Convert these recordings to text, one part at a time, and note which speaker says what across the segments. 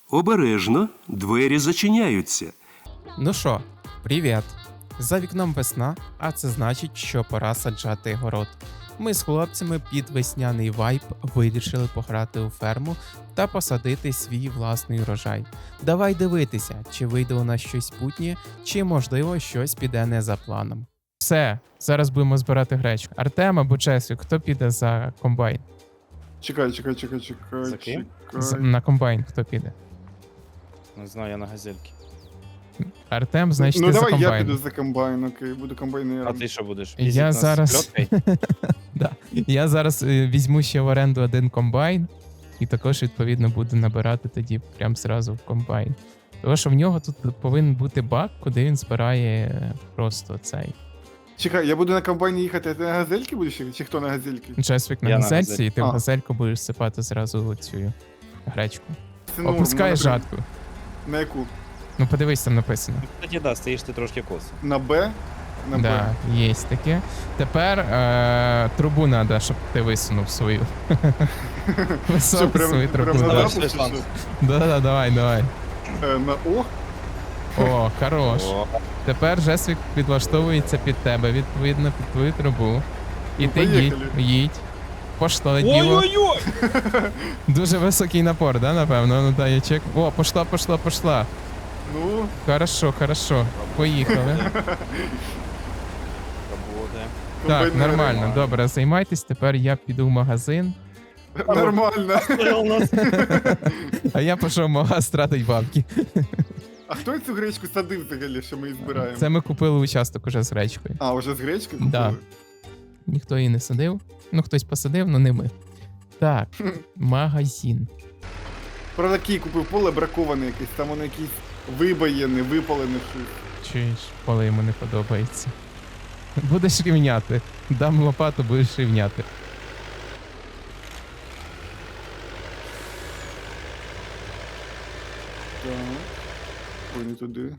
Speaker 1: Обережно, двері зачиняються.
Speaker 2: Ну що, привіт! За вікном весна, а це значить, що пора саджати город. Ми з хлопцями під весняний вайб вирішили пограти у ферму та посадити свій власний урожай. Давай дивитися, чи вийде у нас щось путнє, чи можливо щось піде не за планом. Все, зараз будемо збирати гречку. Артем або Чесвік, хто піде за комбайн?
Speaker 3: Чекай.
Speaker 4: За ким?
Speaker 2: На комбайн хто піде?
Speaker 4: Не знаю, я на газельки.
Speaker 2: Артем, значить,
Speaker 3: Ну
Speaker 2: ти за
Speaker 3: давай я
Speaker 2: комбайн.
Speaker 3: піду за комбайн, окей, буду
Speaker 4: А
Speaker 3: комбайнером.
Speaker 4: ти що будеш?
Speaker 2: Я
Speaker 4: Їздить нас з
Speaker 2: зараз-
Speaker 4: пльоткою?
Speaker 2: Да. Я зараз візьму ще в оренду один комбайн, і також, відповідно, буду набирати тоді прям зразу в комбайн. Тому що в нього тут повинен бути бак, куди він збирає просто цей
Speaker 3: Чекай, я буду на комбайні їхати, а ти на газельки будеш їхати? Чи хто на газельки?
Speaker 2: чесвік на
Speaker 4: Я на
Speaker 2: газельці,
Speaker 4: газельці.
Speaker 2: і ти в
Speaker 3: А.
Speaker 2: газельку будеш сипати зразу цю гречку.
Speaker 3: Це норм,
Speaker 2: Опускай
Speaker 3: на
Speaker 2: жатку.
Speaker 3: На яку?
Speaker 2: Ну подивись, там написано.
Speaker 4: Кстати, да, стоїш ти трошки косо.
Speaker 3: На Б? На
Speaker 2: Да,
Speaker 3: Б.
Speaker 2: є таке. Тепер трубу треба, щоб ти висунув свою.
Speaker 3: Що,
Speaker 2: Висунув свою
Speaker 3: прям
Speaker 2: трубу.
Speaker 3: на
Speaker 4: Давай,
Speaker 3: запуск,
Speaker 4: ще
Speaker 3: чи
Speaker 4: шанс.
Speaker 3: що?
Speaker 2: Да, давай.
Speaker 3: На О?
Speaker 2: О, хорош.
Speaker 4: О,
Speaker 2: Тепер Жесвік підлаштовується під тебе, відповідно, під твою трубу. І
Speaker 3: Ну,
Speaker 2: ти
Speaker 3: поїхали.
Speaker 2: їдь. Пошло діло.
Speaker 4: Ой-ой-ой!
Speaker 2: Дуже високий напор, да, напевно? Ну дай я чек. О, пошла.
Speaker 3: Ну,
Speaker 2: Хорошо. Поїхали.
Speaker 4: Работає.
Speaker 2: Так,
Speaker 3: комбайнери.
Speaker 2: нормально, добре, займайтесь. Тепер я піду в магазин,
Speaker 3: Нормально.
Speaker 4: У нас
Speaker 2: а я пішов в магаз тратить бабки.
Speaker 3: А хто цю гречку садив взагалі, що ми її збираємо?
Speaker 2: Це ми купили участок уже з гречкою.
Speaker 3: А, вже з гречки
Speaker 2: Да.
Speaker 3: купили?
Speaker 2: Ніхто її не садив. Ну, хтось посадив, але не ми. Так, магазин.
Speaker 3: Правда, Кій купив поле браковане якесь, там воно якесь вибоєне, випалене щось.
Speaker 2: Чуєш, поле йому не подобається. Будеш рівняти. Дам лопату, будеш рівняти.
Speaker 3: Так. Ой, не туди.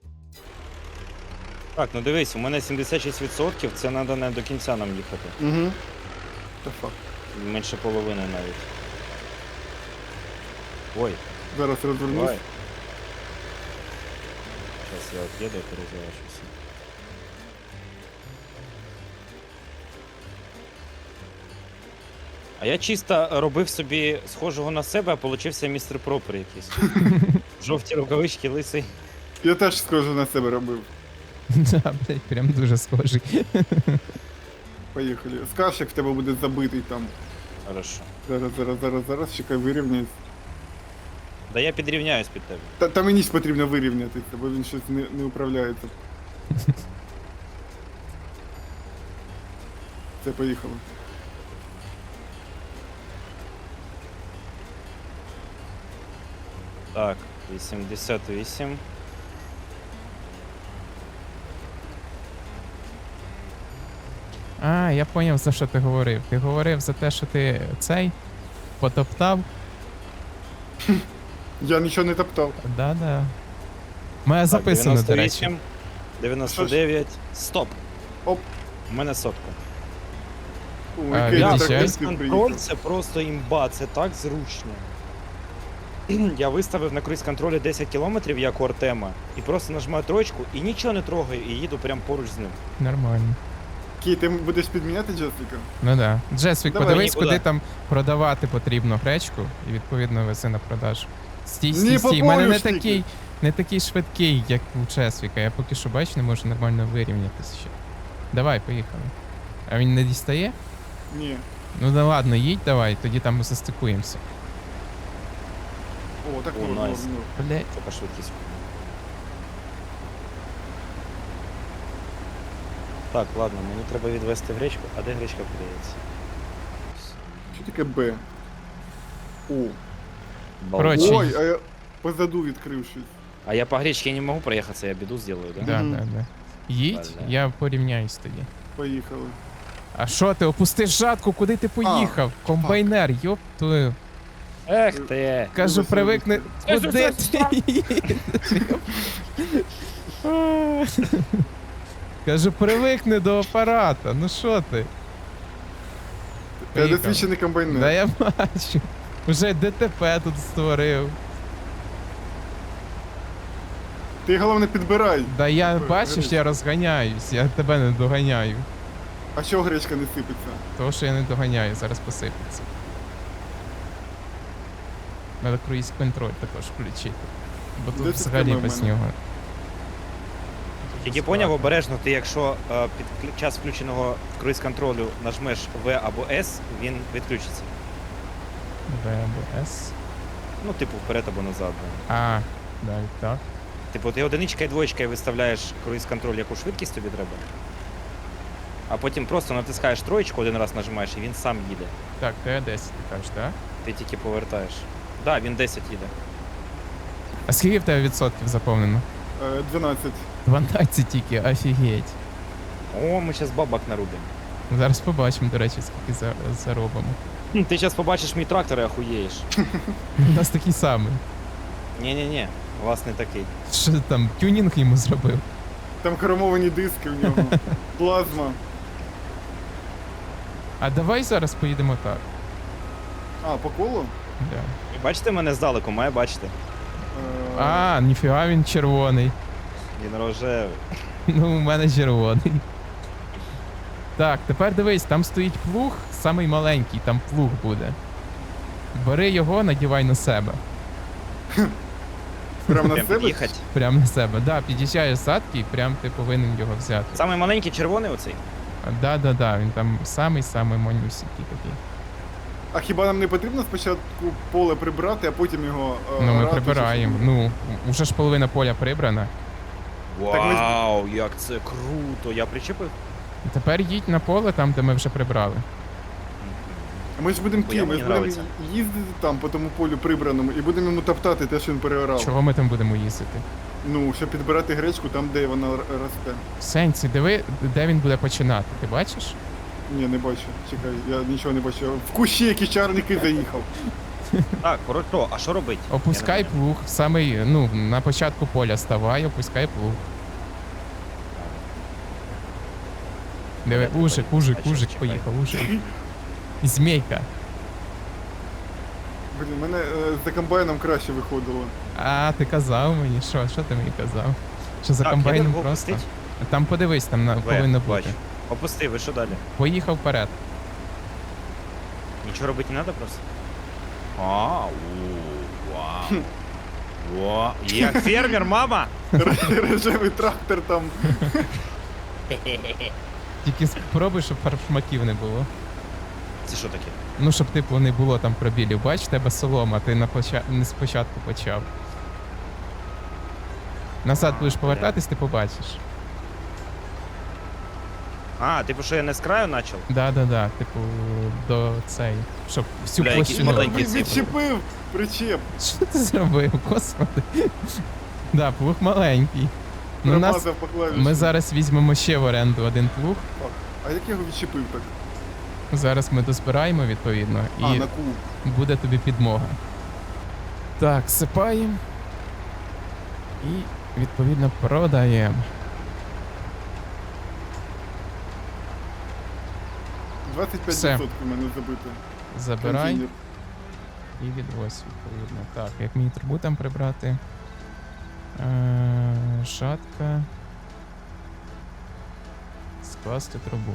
Speaker 4: Так, ну дивись, у мене 76%, це треба не до кінця нам їхати.
Speaker 3: Угу. Та факт.
Speaker 4: Менше половини навіть. Ой,
Speaker 3: Зараз розвернусь.
Speaker 4: давай. Зараз я от'їду, перезаважуся. А я чисто робив собі схожого на себе, а получився містер Пропер якийсь. Жовті рукавички, лисий.
Speaker 3: Я теж схоже на себе робив.
Speaker 2: Да, блядь, прям дуже схожий.
Speaker 3: Поїхали. Скажеш, як в тебе буде забитий там.
Speaker 4: Хорошо.
Speaker 3: Зараз, чекай, вирівняйся.
Speaker 4: Да я підрівняюсь під тебе.
Speaker 3: Та мені ж потрібно вирівнятися, бо він щось не управляється. Це поїхало.
Speaker 4: Так, 88.
Speaker 2: А, я поняв, за що ти говорив. Ти говорив за те, що ти цей потоптав.
Speaker 3: Я нічого не топтав.
Speaker 2: Да. Моя
Speaker 4: Так,
Speaker 2: записано, до речі.
Speaker 4: 98, 99, стоп.
Speaker 3: Оп.
Speaker 4: У мене сотка.
Speaker 3: Ой,
Speaker 2: А,
Speaker 3: який
Speaker 2: відійшов?
Speaker 3: трактор
Speaker 4: Контроль
Speaker 3: приїхав.
Speaker 4: це просто імба, це так зручно. Я виставив на круїз контролі 10 км, як у Артема, і просто нажимаю троєчку і нічого не трогаю, і їду прямо поруч з ним.
Speaker 2: Нормально.
Speaker 3: Кій, ти будеш підміняти Джесліка?
Speaker 2: Ну да. Джесвік,
Speaker 3: Давай,
Speaker 2: подивись,
Speaker 4: нікуди.
Speaker 2: куди там продавати потрібно гречку, і відповідно вези на продажу. Стій.
Speaker 3: Ні,
Speaker 2: У мене не
Speaker 3: попорюшники.
Speaker 2: такий, не такий швидкий, як у Чесвіка. Я поки що бачу, не можу нормально вирівнятися ще. Давай, поїхали. А він не дістає?
Speaker 3: Ні.
Speaker 2: Ну да ладно, їдь давай, тоді там застикуємося.
Speaker 3: О, так
Speaker 4: О,
Speaker 3: можна.
Speaker 4: найс.
Speaker 2: Блять.
Speaker 4: Це по швидкість. Так, ладно, мені треба відвести гречку. А де гречка продається?
Speaker 3: Що таке Б? О.
Speaker 2: Коротше,
Speaker 3: Ой, а я позаду відкрив щось.
Speaker 4: А я по гречке не могу проехаться, я беду сделаю, да?
Speaker 2: Да. Їдь,
Speaker 4: Бля.
Speaker 2: я порівняюсь тоді.
Speaker 3: Поїхали.
Speaker 2: А що ти, опустиш жатку, куди ти поїхав? Комбайнер, йоп твою.
Speaker 4: Эх ты!
Speaker 2: Кажу,
Speaker 3: Вибачте,
Speaker 2: привикни.
Speaker 4: вибачте.
Speaker 2: Куди ти їдеш? Кажу, привикни до апарата. Ну що ти?
Speaker 3: Я
Speaker 2: Поїхали.
Speaker 3: досвідчений комбайнер.
Speaker 2: Да я бачу. Уже ДТП тут створив.
Speaker 3: Ти головне підбирай.
Speaker 2: Да я
Speaker 3: Ой,
Speaker 2: бачиш,
Speaker 3: гречка.
Speaker 2: я розганяюсь, я тебе не доганяю.
Speaker 3: А чого гречка не сипеться?
Speaker 2: Того, що я не доганяю, зараз посипеться. Треба круїз контроль також включити. Бо тут
Speaker 3: 10
Speaker 2: взагалі
Speaker 3: км в
Speaker 2: без
Speaker 3: мене.
Speaker 2: нього.
Speaker 4: Тільки поняв обережно, ти якщо під час включеного круїз-контролю нажмеш В або С, він відключиться.
Speaker 2: В або С.
Speaker 4: Ну, типу, вперед або назад. Да.
Speaker 2: А, далі так.
Speaker 4: Типу, ти одиничка і двоєчка і виставляєш круїз-контроль, яку швидкість тобі треба. А потім просто натискаєш троєчку, один раз нажимаєш, і він сам їде.
Speaker 2: Так, Т10 ти кажеш, так?
Speaker 4: Ти тільки повертаєш. Так, да, він 10 їде.
Speaker 2: А скільки в тебе відсотків заповнено?
Speaker 3: 12.
Speaker 2: 12 тільки, офігеть.
Speaker 4: О, ми зараз бабак нарубимо.
Speaker 2: Зараз побачимо, до речі, скільки заробимо.
Speaker 4: Ти зараз побачиш мій трактор і охуєєш.
Speaker 2: У нас такий самий.
Speaker 4: Ні-ні-ні, у вас не такий.
Speaker 2: Що ти там, тюнінг йому зробив?
Speaker 3: Там хромовані диски в нього. Плазма.
Speaker 2: А давай зараз поїдемо так.
Speaker 3: А, по колу?
Speaker 2: Да.
Speaker 4: Ви бачите мене здалеку, має бачити.
Speaker 2: А, ніфіга він червоний.
Speaker 4: Він рожевий.
Speaker 2: Ну, у мене червоний. Так, тепер дивись, там стоїть плуг, самий маленький, там плуг буде. Бери його, надівай на себе.
Speaker 3: Прям на
Speaker 4: Прям
Speaker 3: себе?
Speaker 4: під'їхати.
Speaker 2: Прям на себе. Да, під'їжджаєш задки і прям ти повинен його взяти.
Speaker 4: Самий маленький червоний оцей.
Speaker 2: Да, він там самий-самий манюсінький такий.
Speaker 3: А хіба нам не потрібно спочатку поле прибрати, а потім його
Speaker 2: Ну, ми
Speaker 3: орати, чи
Speaker 2: прибираємо.
Speaker 3: що?
Speaker 2: Ну, уже ж половина поля прибрана.
Speaker 3: Так ми-
Speaker 4: Вау, як це круто! Я причепив?
Speaker 2: Тепер їдь на поле там, де ми вже прибрали.
Speaker 3: Ми ж будемо
Speaker 4: Хуя
Speaker 3: ми
Speaker 4: мені
Speaker 3: ж будемо
Speaker 4: нравиться.
Speaker 3: їздити там по тому полю прибраному і будемо йому топтати те, що він переорав.
Speaker 2: Чого ми там будемо їздити?
Speaker 3: Ну, щоб підбирати гречку там, де вона росте.
Speaker 2: В сенсі, диви, де він буде починати, ти бачиш?
Speaker 3: Ні, не бачу. Чекай, я нічого не бачу. В кущі якісь чарники заїхав.
Speaker 4: Так, коротко, а що робить?
Speaker 2: Опускай
Speaker 4: Я не понял.
Speaker 2: плуг, самий, ну, на початку поля ставай, опускай плуг. Диви,
Speaker 4: Понятно,
Speaker 2: ужик,
Speaker 4: понятно.
Speaker 2: ужик,
Speaker 4: А що,
Speaker 2: ужик,
Speaker 4: чекай.
Speaker 2: поїхав, ужик. Змійка.
Speaker 3: Блін, мене за комбайном краще виходило.
Speaker 2: А, ти казав мені, що ти мені казав? Що за
Speaker 4: Так,
Speaker 2: комбайном
Speaker 4: я його
Speaker 2: просто?
Speaker 4: опустить?
Speaker 2: Там подивись, там повинно бути.
Speaker 4: Бачу. Опусти, ви що далі?
Speaker 2: Поїхав вперед.
Speaker 4: Нічого робити не треба просто? Вау. Вау. Як фермер, мама!
Speaker 3: Рожевий трактор там.
Speaker 2: Тільки спробуй, щоб фаршмаків не було.
Speaker 4: Це що таке?
Speaker 2: Ну, щоб типу не було там пробілів. Бач, в тебе солома, ти не спочатку почав. Назад будеш
Speaker 4: бля.
Speaker 2: повертатись, ти побачиш.
Speaker 4: А, типу, що я не з краю почав?
Speaker 2: Да, типу, до цей. Щоб всю
Speaker 4: Бля, якісь
Speaker 2: площину.
Speaker 4: маленькі
Speaker 3: Він відчепив причеп.
Speaker 2: Що ти зробив, господи? Да, плуг маленький. Ну, нас...
Speaker 3: Промазав по клавіші.
Speaker 2: Ми зараз візьмемо ще в оренду один плуг.
Speaker 3: А як я його відчепив так?
Speaker 2: Зараз ми дозбираємо відповідно і
Speaker 3: А, на куб.
Speaker 2: буде тобі підмога. Так, сипаємо. І відповідно продаємо.
Speaker 3: 25%
Speaker 2: Все.
Speaker 3: в мене забито.
Speaker 2: Забирай
Speaker 3: Контейнер.
Speaker 2: і відвозь відповідно. Так, як мені трубу там прибрати? Шатка. Скласти трубу.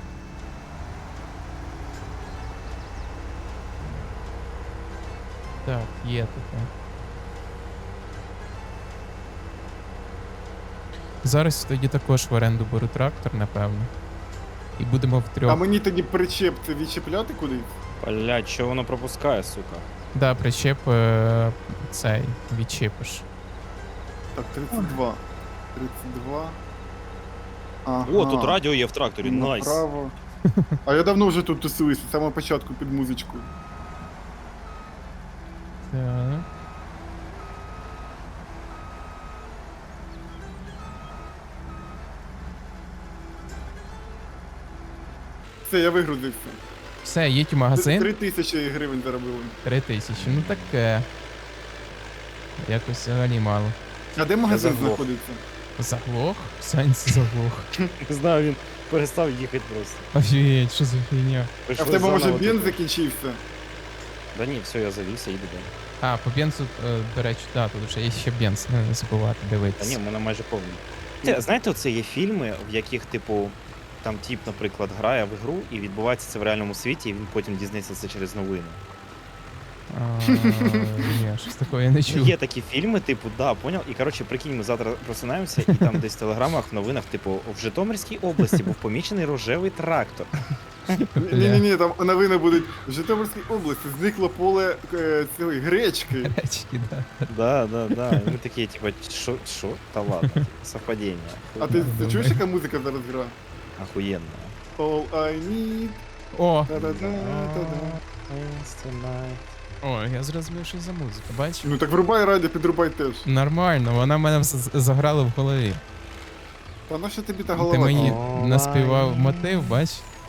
Speaker 2: Так, є таке. Зараз тоді також в оренду беру трактор, напевно. І будемо
Speaker 3: А
Speaker 2: втрьох.
Speaker 3: мені тоді причеп це відчепляти кудись?
Speaker 4: Блядь, що воно пропускає, сука?
Speaker 2: Да, причеп цей відчепиш.
Speaker 3: Так, 32. 32. Ага.
Speaker 4: О, тут радіо є в тракторі, найс.
Speaker 3: Направо. А я давно вже тут тусуюся, з самого початку під музичку.
Speaker 2: Так.
Speaker 3: Все, я вигрузився.
Speaker 2: Все, їдь у магазин.
Speaker 3: 3000 гривень заробили.
Speaker 2: 3000. Ну таке. Якось взагалі мало.
Speaker 3: А де магазин
Speaker 4: заглох.
Speaker 3: знаходиться?
Speaker 2: Заглох? Сенс заглох.
Speaker 4: Не знаю, він перестав їхати просто.
Speaker 2: Офігеть, що за фігня?
Speaker 3: А в тебе може бенз закінчився?
Speaker 4: Да ні, все, я завівся, їду далі.
Speaker 2: А, по бензу, до речі, да, тут вже є ще бенз, не забувати
Speaker 4: Та
Speaker 2: дивитися.
Speaker 4: ні, в мене майже повний. Знаєте, оце є фільми, в яких, типу, там тіп, наприклад, грає в ігру і відбувається це в реальному світі, і він потім дізнається це через новини.
Speaker 2: Ні, щось такого я не чув.
Speaker 4: Є такі фільми, типу, да, поняв. І коротше, прикинь, ми завтра просинаємося, і там десь в телеграмах, в новинах, типу, в Житомирській області був помічений рожевий трактор.
Speaker 3: Ні, там новини будуть. В Житомирській області зникло поле цієї гречки.
Speaker 2: Речки, да.
Speaker 4: Да. І ми такі, типу, що? Та ладно, типу, совпадіння.
Speaker 3: А ти чуєш, яка музика зараз гра?
Speaker 4: Охуєнно.
Speaker 3: All I need.
Speaker 2: О,
Speaker 3: Та-да-да-та-да.
Speaker 2: о, я зрозумів, що за музика, бачиш?
Speaker 3: Ну так врубай радіо, підрубай теж.
Speaker 2: Нормально, вона в мене заграла в голові.
Speaker 3: Та на що тобі та
Speaker 2: Ти
Speaker 3: голова?
Speaker 2: мені
Speaker 4: О,
Speaker 2: наспівав
Speaker 4: ай.
Speaker 2: мотив, бач?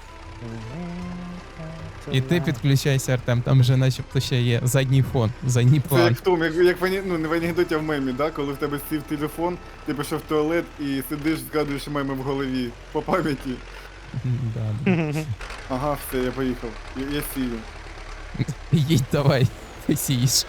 Speaker 2: І ти підключайся, Артем, там вже начебто ще є задній фон, задній
Speaker 3: Це
Speaker 2: план.
Speaker 3: як в тому, як ну не в анекдоті, а в мемі, да? Коли в тебе сів телефон, ти пішов в туалет і сидиш, згадуєш меми в голові. По пам'яті.
Speaker 2: Да.
Speaker 3: Ага, все, я поїхав. Я сію.
Speaker 2: Їдь давай, ти сієш.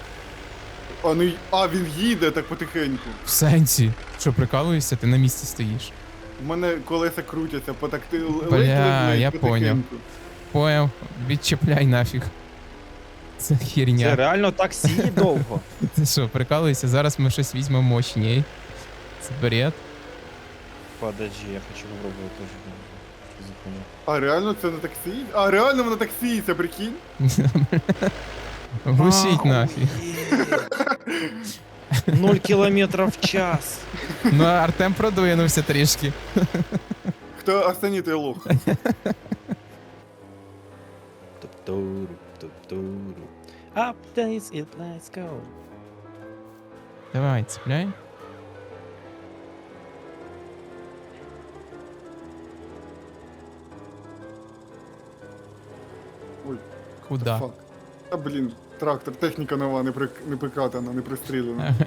Speaker 3: Він їде так потихеньку.
Speaker 2: В сенсі. Що, прикалуєшся, ти на місці стоїш.
Speaker 3: У мене колеса крутяться,
Speaker 2: Бля, я поняв. Поняв, відчепляй нафіг. Це
Speaker 4: Це
Speaker 2: херня.
Speaker 4: реально так сіє довго.
Speaker 2: Ти що, прикалуєшся? Зараз ми щось візьмемо мощней. Це бред.
Speaker 4: Подожди, я хочу попробувати теж. Що за хуйня?
Speaker 3: А реально це на таксі? А реально воно таксіється, прикинь?
Speaker 2: Глушіть нафіг.
Speaker 4: 0 кілометрів в час.
Speaker 2: Ну, а Артем продвинувся трішки.
Speaker 3: Хто останній той лох?
Speaker 4: Туп-туру. Up days it let's go.
Speaker 2: Давай, цепляй.
Speaker 3: Ой,
Speaker 2: Куда?
Speaker 3: фак. А блін, трактор, техніка нова, не прикатана, не пристрілена.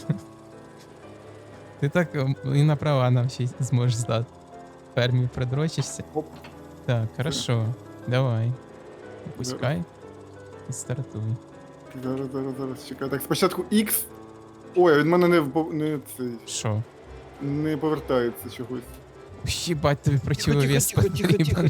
Speaker 2: Ти так і на права нам ще й зможеш здати. В фермі придрочишся.
Speaker 3: Оп.
Speaker 2: Так, хорошо. Давай. Пускай. І стартуй.
Speaker 3: Зараз, чекай. Так, спочатку X. Ой, а від мене
Speaker 2: Що?
Speaker 3: не повертається чогось.
Speaker 2: Їбать, тобі противовес
Speaker 4: тихо,
Speaker 2: потрібен.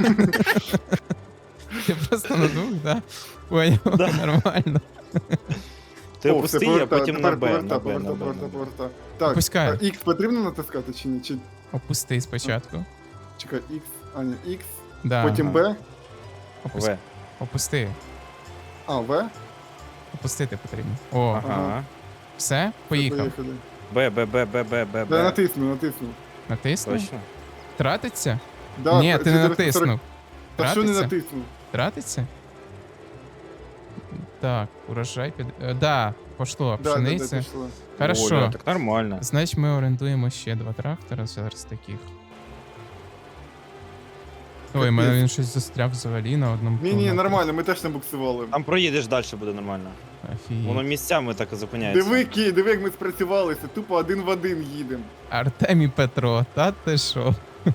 Speaker 2: Ти просто на двох, да? Поняв,
Speaker 4: Да.
Speaker 2: нормально.
Speaker 4: Ти
Speaker 3: О,
Speaker 4: опусти,
Speaker 3: все,
Speaker 4: а
Speaker 3: повертаю.
Speaker 4: потім
Speaker 3: Тепер
Speaker 4: на Б.
Speaker 3: поверта. Так,
Speaker 2: Опускай.
Speaker 3: а X потрібно натискати чи ні? Чи,
Speaker 2: Опусти спочатку.
Speaker 3: чекай, X, а ні, X,
Speaker 2: Да.
Speaker 3: потім B,
Speaker 2: Опусти.
Speaker 4: В.
Speaker 2: Опусти.
Speaker 3: а, V.
Speaker 2: Опустити потрібно. О,
Speaker 4: Ага.
Speaker 2: все? Поїхав.
Speaker 3: Поїхали.
Speaker 4: Б.
Speaker 3: Да, натиснув.
Speaker 2: Натиснув?
Speaker 4: Точно?
Speaker 2: Тратиться?
Speaker 3: Да,
Speaker 2: Ні, ти не
Speaker 3: 440.
Speaker 2: натиснув.
Speaker 3: Та що не
Speaker 2: Тратиться?
Speaker 3: натиснув?
Speaker 2: Тратиться? Так, урожай під... Да, пошло,
Speaker 3: Да,
Speaker 2: пшениця.
Speaker 3: пішло.
Speaker 2: Хорошо.
Speaker 4: Оля, так нормально.
Speaker 2: Значить, ми орендуємо ще 2 трактора зараз таких. Ой, у мене
Speaker 3: Капець.
Speaker 2: він щось застряв взагалі на одному.
Speaker 3: Ні,
Speaker 2: кілометрі.
Speaker 3: нормально, ми теж не буксували.
Speaker 4: Там проїдеш далі, буде нормально.
Speaker 2: Офігеть.
Speaker 4: Воно місцями так і зупиняється.
Speaker 3: Диви, як ми спрацювалися, тупо один в один їдемо.
Speaker 2: Артем і Петро, та ти що?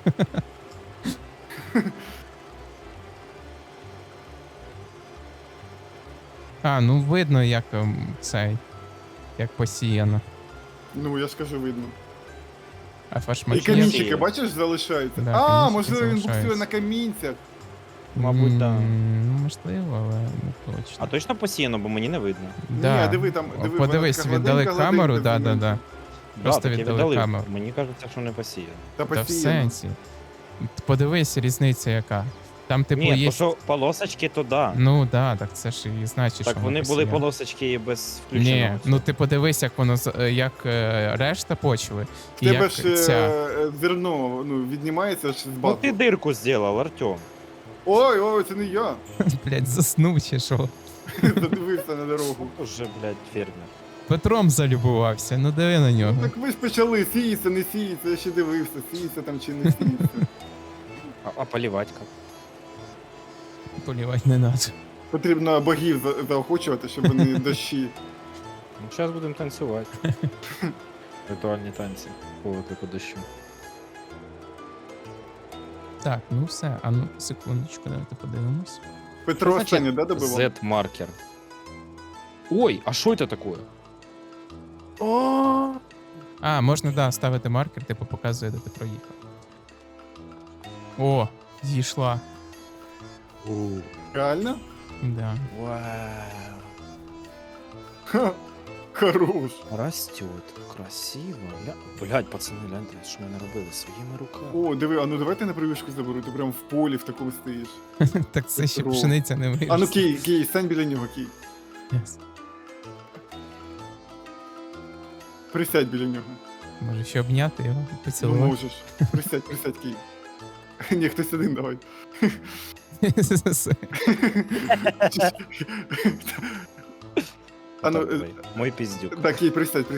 Speaker 2: А, ну видно, як цей. Як посіяно.
Speaker 3: Ну, я ж кажу, видно.
Speaker 2: А
Speaker 3: І
Speaker 2: фашмаки.
Speaker 3: камінчики,
Speaker 4: є.
Speaker 3: бачиш, залишаються.
Speaker 2: Да,
Speaker 3: А,
Speaker 2: камінчики
Speaker 3: можливо, він буксує
Speaker 2: залишаються.
Speaker 3: на камінцях.
Speaker 4: Мабуть, да.
Speaker 2: Ну, можливо, але не точно.
Speaker 4: А точно посіяно, бо мені не видно.
Speaker 2: Да.
Speaker 3: Ні, диви там, диви,
Speaker 2: Подивись,
Speaker 3: вона така
Speaker 2: віддали
Speaker 3: гладенька,
Speaker 2: камеру,
Speaker 3: гладенька,
Speaker 2: да.
Speaker 3: зелененька.
Speaker 2: Просто
Speaker 4: так я
Speaker 2: віддали
Speaker 4: віддалив.
Speaker 2: камеру.
Speaker 4: Мені кажеться, що не посіяно.
Speaker 3: Та
Speaker 2: Та в
Speaker 3: постійно.
Speaker 2: сенсі. Подивись, різниця яка. Там, типу,
Speaker 4: Ні,
Speaker 2: є.
Speaker 4: то що полосочки, то да.
Speaker 2: Ну да, так це ж і значить,
Speaker 4: Так
Speaker 2: що
Speaker 4: вони
Speaker 2: воно
Speaker 4: були
Speaker 2: посіяно.
Speaker 4: полосочки і без включеного.
Speaker 2: Ні,
Speaker 4: цього.
Speaker 2: ну ти подивись, як воно як решта почви.
Speaker 3: В
Speaker 2: І
Speaker 3: тебе
Speaker 2: як
Speaker 3: ж
Speaker 2: ця.
Speaker 3: зерно віднімається ж з
Speaker 4: Ну
Speaker 3: баку.
Speaker 4: ти дирку зробив, Артем.
Speaker 3: Ой, це не я.
Speaker 2: Блять, заснув чи що.
Speaker 3: Задивився на дорогу.
Speaker 4: Уже, блядь, фермер.
Speaker 2: Петром залюбувався, ну диви на нього.
Speaker 3: Так ви ж почали, сіється, не сіється, я ще дивився, сіється там чи не сіється.
Speaker 4: А полівати як?
Speaker 2: Полівати не надо.
Speaker 3: Потрібно богів заохочувати, щоб вони дощі.
Speaker 4: Ну, зараз будемо танцювати. Ритуальні танці. По виклику дощу.
Speaker 2: Так, ну все, а ну секундочку, давайте подивимось.
Speaker 3: Петро останнє, да, добивав?
Speaker 4: Z-маркер. Ой, а що це таке?
Speaker 2: А, можна, да, ставити маркер, типу показує, де ти проїхав. О, зійшла.
Speaker 3: Реально?
Speaker 2: Да.
Speaker 4: Вау.
Speaker 3: Ха, хорош.
Speaker 4: Растет, красиво. Блядь, пацани, гляньте, що ми наробили своїми руками.
Speaker 3: О, диви, а ну давайте на прививку заберу, ти прям в полі в такому стоїш.
Speaker 2: Так це ще
Speaker 3: Здорово.
Speaker 2: пшениця не виросла.
Speaker 3: А ну Кій, стань біля нього, Кій.
Speaker 2: Yes.
Speaker 3: Присядь біля нього.
Speaker 2: Може ще обняти його,
Speaker 3: Ну
Speaker 2: поцілувати.
Speaker 3: можеш. Присядь, Кій. Ні, хтось один давай. А ну,
Speaker 4: Давай, мой пиздюк.
Speaker 3: так, Кій, присядь.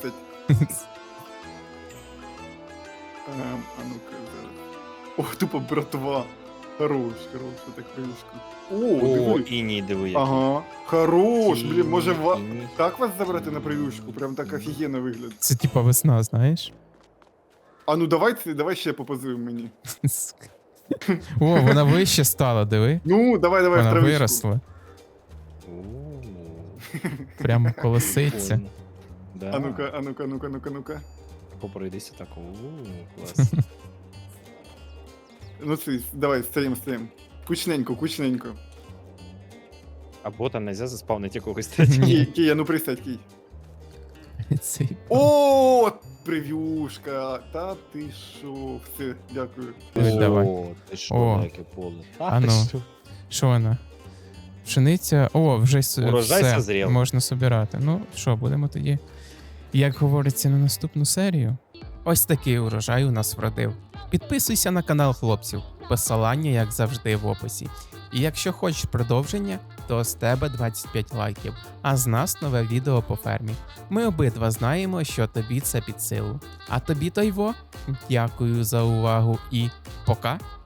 Speaker 3: А ну-ка, зараз. О, тупо братва. Хорош, так прививку. О,
Speaker 4: О,
Speaker 3: диви.
Speaker 4: іній, диви, який.
Speaker 3: Ага. Хорош,
Speaker 4: Іній,
Speaker 3: блін, може
Speaker 4: іній.
Speaker 3: так вас забрати на прививку? Прям так офігенно вигляд.
Speaker 2: Це типа весна, знаєш?
Speaker 3: А ну давай ще попозуємо мені.
Speaker 2: О, вона вище стала, диви.
Speaker 3: Ну, давай в
Speaker 2: Вона
Speaker 3: травичку.
Speaker 2: виросла.
Speaker 4: О,
Speaker 2: Прямо колоситься.
Speaker 4: прикольно. Да.
Speaker 3: А ну-ка.
Speaker 4: Попройдися так. О, клас.
Speaker 3: Ну це, давай, стоїм. Кучненько.
Speaker 4: Або там нельзя заспавнити якогось
Speaker 2: Ні.
Speaker 4: третього.
Speaker 3: Кій, а ну присядь, Кій.
Speaker 2: Цей-
Speaker 3: О, прев'юшка. Та ти шо. Все, дякую.
Speaker 2: Давай.
Speaker 4: О, ти що,
Speaker 2: О.
Speaker 4: яке поле.
Speaker 2: А ну. Що вона? Пшениця. О, вже
Speaker 4: Урожай
Speaker 2: все
Speaker 4: созрів.
Speaker 2: можна собирати. Ну що, будемо тоді, як говориться, на наступну серію. Ось такий урожай у нас вродив. Підписуйся на канал хлопців. Посилання, як завжди, в описі. І якщо хочеш продовження, то з тебе 25 лайків, а з нас нове відео по фермі. Ми обидва знаємо, що тобі це під силу. А тобі, Тойво, дякую за увагу і пока!